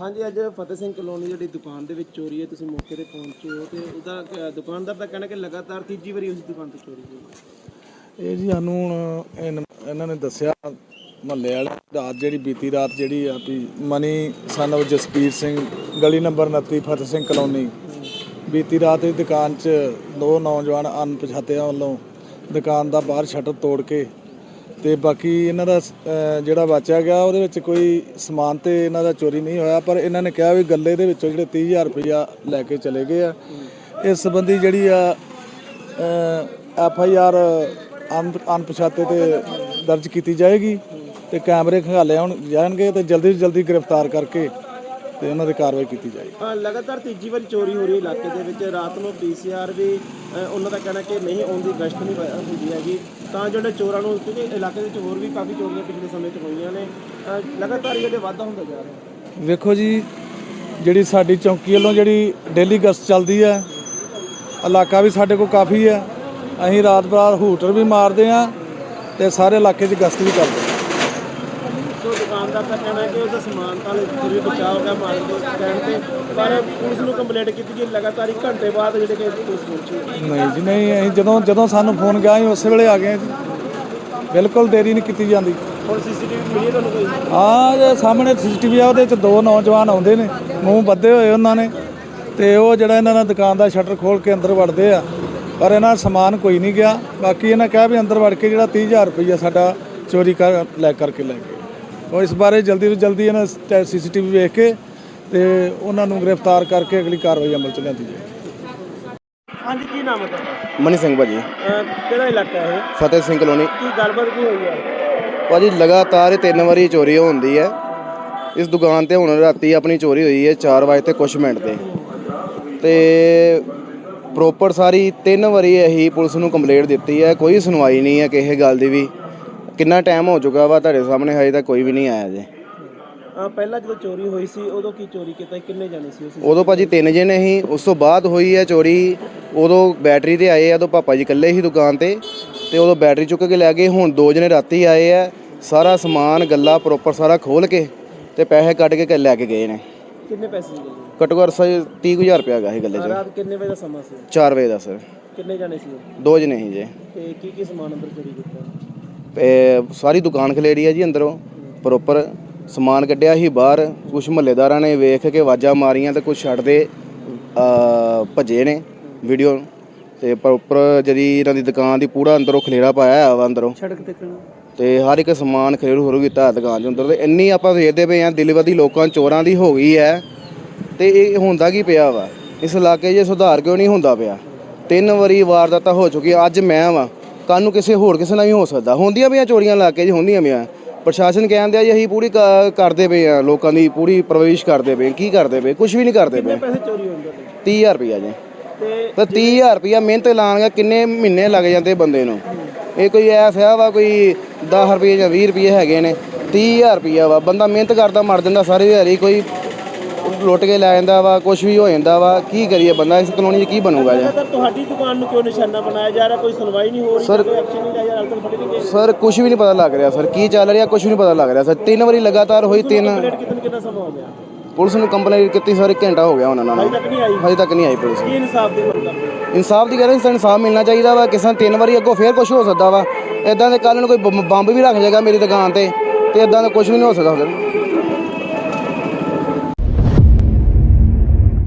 ਹਾਂਜੀ, ਅੱਜ ਫਤਿਹ ਸਿੰਘ ਕਲੋਨੀ ਜਿਹੜੀ ਦੁਕਾਨ ਦੇ ਵਿੱਚ ਚੋਰੀ ਹੈ, ਤੁਸੀਂ ਮੌਕੇ ਤੇ ਪਹੁੰਚੇ ਹੋ ਤੇ ਉਹਦਾ ਦੁਕਾਨਦਾਰ ਦਾ ਕਹਿਣਾ ਕਿ ਲਗਾਤਾਰ ਤੀਜੀ ਵਾਰੀ ਉਸ ਦੁਕਾਨ ਤੋਂ ਚੋਰੀ ਹੋਈ ਹੈ। ਇਹ ਜੀ ਸਾਨੂੰ ਹੁਣ ਇਹਨਾਂ ਨੇ ਦੱਸਿਆ ਮਹੱਲੇ ਵਾਲੇ ਰਾਤ ਜਿਹੜੀ ਬੀਤੀ ਰਾਤ ਜਿਹੜੀ ਆ ਵੀ ਮਨੀ ਸਨ of ਜਸਪੀਰ ਸਿੰਘ ਗਲੀ ਨੰਬਰ 29 ਫਤਿਹ ਸਿੰਘ ਕਲੋਨੀ ਬੀਤੀ ਰਾਤ ਦੀ ਦੁਕਾਨ 'ਚ ਦੋ ਨੌਜਵਾਨ ਅਣਪਛਾਤਿਆਂ ਵੱਲੋਂ ਦੁਕਾਨ ਦਾ ਬਾਹਰ ਸ਼ਟਰ ਤੋੜ ਕੇ ਤੇ ਬਾਕੀ ਇਹਨਾਂ ਦਾ ਜਿਹੜਾ ਬਚਿਆ ਗਿਆ ਉਹਦੇ ਵਿੱਚ ਕੋਈ ਸਮਾਨ ਤੇ ਇਹਨਾਂ ਦਾ ਚੋਰੀ ਨਹੀਂ ਹੋਇਆ, ਪਰ ਇਹਨਾਂ ਨੇ ਕਿਹਾ ਵੀ ਗੱਲੇ ਦੇ ਵਿੱਚੋਂ ਜਿਹੜੇ 30,000 ਰੁਪਇਆ ਲੈ ਕੇ ਚਲੇ ਗਏ ਆ। ਇਸ ਸੰਬੰਧੀ ਜਿਹੜੀ ਆ FIR ਅਣਪਛਾਤੇ ਤੇ ਦਰਜ ਕੀਤੀ ਜਾਏਗੀ ਤੇ ਕੈਮਰੇ ਖੰਗਾਲੇ ਹੁਣ ਜਾਣਗੇ ਤੇ ਜਲਦੀ ਤੋਂ ਜਲਦੀ ਗ੍ਰਿਫਤਾਰ ਕਰਕੇ ਤੇ ਉਹਨਾਂ ਦੀ ਕਾਰਵਾਈ ਕੀਤੀ ਜਾਏਗੀ। ਲਗਾਤਾਰ ਤੀਜੀ ਵਾਰੀ ਚੋਰੀ ਹੋ ਰਹੀ ਇਲਾਕੇ ਦੇ ਵਿੱਚ। ਰਾਤ ਨੂੰ PCR ਵੀ ਉਹਨਾਂ ਦਾ ਕਹਿਣਾ ਕਿ ਨਹੀਂ ਆਉਂਦੀ, ਗਸ਼ਤ ਨਹੀਂ ਹੁੰਦੀ ਹੈਗੀ ਤਾਂ ਜਿਹੜੇ ਚੋਰਾਂ ਨੂੰ, ਕਿਉਂਕਿ ਇਲਾਕੇ ਵਿੱਚ ਹੋਰ ਵੀ ਕਾਫੀ ਚੋਰੀਆਂ ਪਿਛਲੇ ਸਮੇਂ 'ਚ ਹੋਈਆਂ ਨੇ, ਲਗਾਤਾਰ ਜਿਹੜੇ ਵਾਧਾ ਹੁੰਦਾ ਜਾ ਰਿਹਾ। ਵੇਖੋ ਜੀ, ਜਿਹੜੀ ਸਾਡੀ ਚੌਂਕੀ ਵੱਲੋਂ ਜਿਹੜੀ ਡੇਲੀ ਗਸ਼ਤ ਚੱਲਦੀ ਹੈ, ਇਲਾਕਾ ਵੀ ਸਾਡੇ ਕੋਲ ਕਾਫੀ ਹੈ, ਅਸੀਂ ਰਾਤ ਬਰਾਤ ਹੂਟਰ ਵੀ ਮਾਰਦੇ ਹਾਂ ਤੇ ਸਾਰੇ ਇਲਾਕੇ 'ਚ ਗਸ਼ਤ ਵੀ ਕਰਦੇ ਹਾਂ। ਸੋ ਦੁਕਾਨਦਾਰ ਦਾ ਕਹਿਣਾ ਹੈ ਕਿ ਉਹਦਾ ਸਮਾਨ ਤਾਂ ਫਿਰ ਵੀ ਬਚਾਅ ਹੋ ਗਿਆ ਮਾਰਨ ਦੇ ਕਹਿਣ ਤੇ, ਪਰ ਪੁਲਿਸ ਨੂੰ ਕੰਪਲੇਂਟ ਕੀਤੀ ਗਈ, ਲਗਾਤਾਰ 1 ਘੰਟੇ ਬਾਅਦ ਜਿਹੜੇ ਕਿ ਪੁਲਿਸ ਪਹੁੰਚੀ। ਨਹੀਂ ਜੀ ਨਹੀਂ, ਅਸੀਂ ਜਦੋਂ ਸਾਨੂੰ ਫੋਨ ਗਿਆ ਅਸੀਂ ਉਸੇ ਵੇਲੇ ਆ ਗਏ ਜੀ, ਬਿਲਕੁਲ ਦੇਰੀ ਨਹੀਂ ਕੀਤੀ ਜਾਂਦੀ। ਹੁਣ CCTV ਮਿਲੀ ਤੁਹਾਨੂੰ ਕੋਈ? ਹਾਂ, ਜੇ ਸਾਹਮਣੇ CCTV ਆ, ਉਹਦੇ 'ਚ ਦੋ ਨੌਜਵਾਨ ਆਉਂਦੇ ਨੇ, ਮੂੰਹ ਬੱਧੇ ਹੋਏ ਉਹਨਾਂ ਨੇ, ਤੇ ਉਹ ਜਿਹੜਾ ਇਹਨਾਂ ਦਾ ਦੁਕਾਨ ਦਾ ਸ਼ਟਰ ਖੋਲ੍ਹ ਕੇ ਅੰਦਰ ਵੜਦੇ ਆ, ਪਰ ਇਹਨਾਂ ਦਾ ਸਮਾਨ ਕੋਈ ਨਹੀਂ ਗਿਆ। ਬਾਕੀ ਇਹਨਾਂ ਕਿਹਾ ਵੀ ਅੰਦਰ ਵੜ ਕੇ ਜਿਹੜਾ 30,000 ਰੁਪਈਆ ਸਾਡਾ ਚੋਰੀ ਕਰਕੇ ਲੈ ਗਏ। ਉਹ ਇਸ ਬਾਰੇ ਜਲਦੀ ਤੋਂ ਜਲਦੀ ਇਹਨਾਂ CCTV ਵੇਖ ਕੇ ਤੇ ਉਹਨਾਂ ਨੂੰ ਗ੍ਰਿਫਤਾਰ ਕਰਕੇ ਅਗਲੀ ਕਾਰਵਾਈ ਅਮਲ 'ਚ ਲਿਆਂਦੀ ਜਾਏ। ਹਾਂਜੀ, ਕੀ ਨਾਮ ਹੈ ਤੁਹਾਡਾ? ਮਨੀ ਸਿੰਘ ਭਾਜੀ। ਕਿਹੜਾ ਇਲਾਕਾ ਹੈ? ਫਤਿਹ ਸਿੰਘ ਕਲੋਨੀ। ਕੀ ਗੱਲਬਾਤ ਕੀ ਹੋਈ ਹੈ ਭਾਜੀ? ਲਗਾਤਾਰ 3 ਵਾਰੀ ਚੋਰੀ ਹੁੰਦੀ ਹੈ ਇਸ ਦੁਕਾਨ ਤੇ। ਹੁਣ ਰਾਤੀ ਆਪਣੀ ਚੋਰੀ ਹੋਈ ਹੈ 4 ਵਜੇ ਤੇ ਕੁਛ ਮਿੰਟ ਤੇ ਪ੍ਰੋਪਰ ਸਾਰੀ 3 ਵਾਰੀ ਇਹੀ ਪੁਲਿਸ ਨੂੰ ਕੰਪਲੇਂਟ ਦਿੱਤੀ ਹੈ, ਕੋਈ ਸੁਣਵਾਈ ਨਹੀਂ ਹੈ ਕਿਸੇ ਗੱਲ ਦੀ ਵੀ। ਕਿੰਨਾ ਟਾਈਮ ਹੋ ਚੁੱਕਾ ਵਾ ਤੁਹਾਡੇ ਸਾਹਮਣੇ, ਹਜੇ ਤੱਕ ਕੋਈ ਵੀ ਨਹੀਂ ਆਇਆ ਜੇ। ਪਹਿਲਾਂ ਜਦੋਂ ਚੋਰੀ ਹੋਈ ਸੀ ਉਦੋਂ ਕੀ ਚੋਰੀ ਕੀਤਾ, ਕਿੰਨੇ ਜਾਣੇ ਸੀ? ਉਦੋਂ ਭਾਜੀ 3 ਜਣੇ ਸੀ। ਉਸ ਤੋਂ ਬਾਅਦ ਹੋਈ ਹੈ ਚੋਰੀ, ਉਦੋਂ ਬੈਟਰੀ ਤੇ ਆਏ ਆ, ਉਦੋਂ ਪਾਪਾ ਜੀ ਇਕੱਲੇ ਸੀ ਦੁਕਾਨ ਤੇ ਉਦੋਂ ਬੈਟਰੀ ਚੁੱਕ ਕੇ ਲੈ ਗਏ। ਹੁਣ 2 ਜਣੇ ਰਾਤੀ ਆਏ ਆ, ਸਾਰਾ ਸਮਾਨ ਗੱਲਾ ਪ੍ਰੋਪਰ ਸਾਰਾ ਖੋਲ ਕੇ ਤੇ ਪੈਸੇ ਕੱਢ ਕੇ ਲੈ ਕੇ ਗਏ ਨੇ। ਕਿੰਨੇ ਪੈਸੇ ਸੀ? ਘੱਟੋ ਘੱਟ 30,000 ਰੁਪਇਆ ਹੈਗਾ ਸੀ ਗੱਲੇ 'ਚ। ਰਾਤ ਕਿੰਨੇ ਵਜੇ ਦਾ ਸਮਾਂ ਸੀ? 4 ਵਜੇ ਦਾ ਸਰ। ਕਿੰਨੇ ਜਾਣੇ ਸੀ? 2 ਜਣੇ ਸੀ ਜੇ। ਤੇ ਕੀ ਸਮਾਨ ਅੰਦਰ ਚੋਰੀ ਕੀਤਾ? ਸਾਰੀ ਦੁਕਾਨ ਖਲੇਰੀ ਹੈ ਜੀ, ਅੰਦਰੋਂ ਪ੍ਰੋਪਰ ਸਮਾਨ ਕੱਢਿਆ ਸੀ ਬਾਹਰ। ਕੁਛ ਮਹੱਲੇਦਾਰਾਂ ਨੇ ਵੇਖ ਕੇ ਆਵਾਜ਼ਾਂ ਮਾਰੀਆਂ ਤੇ ਕੁਛ ਛੱਡਦੇ ਭੱਜੇ ਨੇ ਵੀਡੀਓ ਤੇ ਪ੍ਰੋਪਰ ਜਿਹੜੀ ਇਹਨਾਂ ਦੀ ਦੁਕਾਨ ਦੀ ਪੂਰਾ ਅੰਦਰੋਂ ਖਲੇਰਾ ਪਾਇਆ ਵਾ ਅੰਦਰੋਂ ਸੜਕ ਤੇ ਹਰ ਇੱਕ ਸਮਾਨ ਖਲੇਰੂ ਕੀਤਾ ਦੁਕਾਨ ਦੇ ਅੰਦਰ। ਤੇ ਇੰਨੀ ਆਪਾਂ ਵੇਖਦੇ ਪਏ ਹਾਂ ਦਿਲਵਦੀ ਲੋਕਾਂ ਚੋਰਾਂ ਦੀ ਹੋ ਗਈ ਹੈ ਤੇ ਇਹ ਹੁੰਦਾ ਕੀ ਪਿਆ ਵਾ ਇਸ ਇਲਾਕੇ 'ਚ? ਸੁਧਾਰ ਕਿਉਂ ਨਹੀਂ ਹੁੰਦਾ ਪਿਆ? 3 ਵਾਰੀ ਵਾਰਦਾਤਾਂ ਹੋ ਚੁੱਕੀਆਂ। ਅੱਜ ਮੈਂ ਵਾਂ, ਕੱਲ੍ਹ ਨੂੰ ਕਿਸੇ ਨਾਲ ਵੀ ਹੋ ਸਕਦਾ। ਹੁੰਦੀਆਂ ਪਈਆਂ ਚੋਰੀਆਂ ਇਲਾਕੇ 'ਚ, ਹੁੰਦੀਆਂ ਪਈਆਂ। ਪ੍ਰਸ਼ਾਸਨ ਕਹਿੰਦੇ ਆ ਜੀ ਅਸੀਂ ਪੂਰੀ ਕਰਦੇ ਪਏ ਆ, ਲੋਕਾਂ ਦੀ ਪੂਰੀ ਪਰਵਰਿਸ਼ ਕਰਦੇ ਪਏ। ਕੀ ਕਰਦੇ ਪਏ? ਕੁਛ ਵੀ ਨਹੀਂ ਕਰਦੇ ਪਏ। ਪੈਸੇ ਚੋਰੀ ਹੁੰਦੇ? 30,000 ਰੁਪਇਆ ਜੀ। ਤੇ 30,000 ਰੁਪਇਆ ਮਿਹਨਤ ਲਾਉਣਗਾ, ਕਿੰਨੇ ਮਹੀਨੇ ਲੱਗ ਜਾਂਦੇ ਬੰਦੇ ਨੂੰ। ਇਹ ਕੋਈ ਐਸਾ ਵਾ ਕੋਈ 10 ਰੁਪਏ ਜਾਂ 20 ਰੁਪਏ ਹੈਗੇ ਨੇ? 30,000 ਰੁਪਇਆ ਵਾ, ਬੰਦਾ ਮਿਹਨਤ ਕਰਦਾ ਮਰ ਜਾਂਦਾ ਸਾਰੀ ਦਿਹਾੜੀ, ਕੋਈ ਲੁੱਟ ਕੇ ਲੈ ਜਾਂਦਾ ਵਾ, ਕੁਛ ਵੀ ਹੋ ਜਾਂਦਾ ਵਾ। ਕੀ ਕਰੀਏ ਬੰਦਾ? ਇਸ ਕਲੋਨੀ 'ਚ ਕੀ ਬਣੂਗਾ ਜੀ? ਤੁਹਾਡੀ ਦੁਕਾਨ ਨੂੰ ਕਿਉਂ ਨਿਸ਼ਾਨਾ ਬਣਾਇਆ ਜਾ ਰਿਹਾ? ਕੋਈ ਸੁਣਵਾਈ ਨਹੀਂ ਹੋ ਰਹੀ? ਸਰ, ਕੋਈ ਐਕਸ਼ਨ ਨਹੀਂ ਲਿਆ ਜਾ ਰਿਹਾ? ਸਰ ਕੁਛ ਵੀ ਨਹੀਂ ਪਤਾ ਲੱਗ ਰਿਹਾ ਸਰ, ਕੀ ਚੱਲ ਰਿਹਾ ਕੁਛ ਵੀ ਨਹੀਂ ਪਤਾ ਲੱਗ ਰਿਹਾ ਸਰ। 3 ਵਾਰੀ ਲਗਾਤਾਰ ਹੋਈ। ਕਿੰਨਾ ਸਮਾਂ ਹੋ ਗਿਆ? ਪੁਲਿਸ ਨੂੰ ਕੰਪਲੇਂਟ ਕੀਤੀ ਸਰ, 1 ਘੰਟਾ ਹੋ ਗਿਆ ਉਹਨਾਂ ਨਾਲ, ਹਜੇ ਤੱਕ ਨਹੀਂ ਆਈ ਪੁਲਿਸ। ਕੀ ਇਨਸਾਫ ਦੀ ਮੰਗ ਕਰਦੇ? ਇਨਸਾਫ ਦੀ ਕਹਿ ਰਹੇ, ਇਨਸਾਫ ਮਿਲਣਾ ਚਾਹੀਦਾ ਵਾ। ਕਿਸੇ 3 ਵਾਰੀ ਅੱਗੋਂ ਫੇਰ ਕੁਛ ਹੋ ਸਕਦਾ ਵਾ। ਇਦਾਂ ਦੇ ਕੱਲ੍ਹ ਨੂੰ ਕੋਈ ਬੰਬ ਵੀ ਰੱਖ ਜਾਏਗਾ ਮੇਰੀ ਦੁਕਾਨ ਤੇ ਇੱਦਾਂ ਦਾ ਕੁਛ ਵੀ ਨਹੀਂ ਹੋ ਸਕਦਾ ਸਰ।